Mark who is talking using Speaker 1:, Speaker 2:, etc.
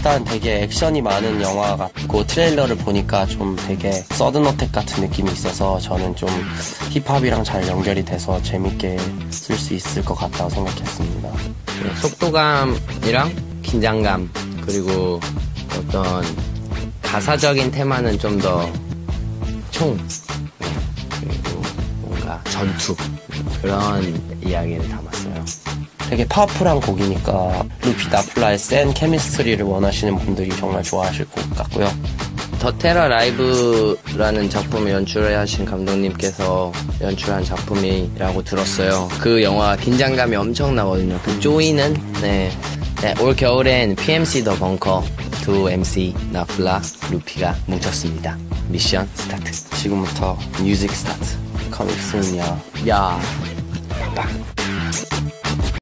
Speaker 1: 일단 되게 액션이 많은 영화 같고 트레일러를 보니까 좀 되게 서든어택 같은 느낌이 있어서 저는 좀 힙합이랑 잘 연결이 돼서 재밌게 쓸 수 있을 것 같다고 생각했습니다.
Speaker 2: 네, 속도감이랑 긴장감 그리고 어떤 가사적인 테마는 좀 더 그리고 뭔가 전투 그런 이야기를 담았어요.
Speaker 1: 되게 파워풀한 곡이니까 루피 나플라의 센 케미스트리를 원하시는 분들이 정말 좋아하실 것 같고요.
Speaker 2: 더 테러 라이브라는 작품을 연출하신 감독님께서 연출한 작품이라고 들었어요. 그 영화 긴장감이 엄청나거든요. 그 쪼이는 올 겨울엔 PMC 더 벙커 두 MC 나플라 루피가 뭉쳤습니다. 미션 스타트.
Speaker 1: 지금부터 뮤직 스타트. Coming soon, 야.
Speaker 2: 야. 빵.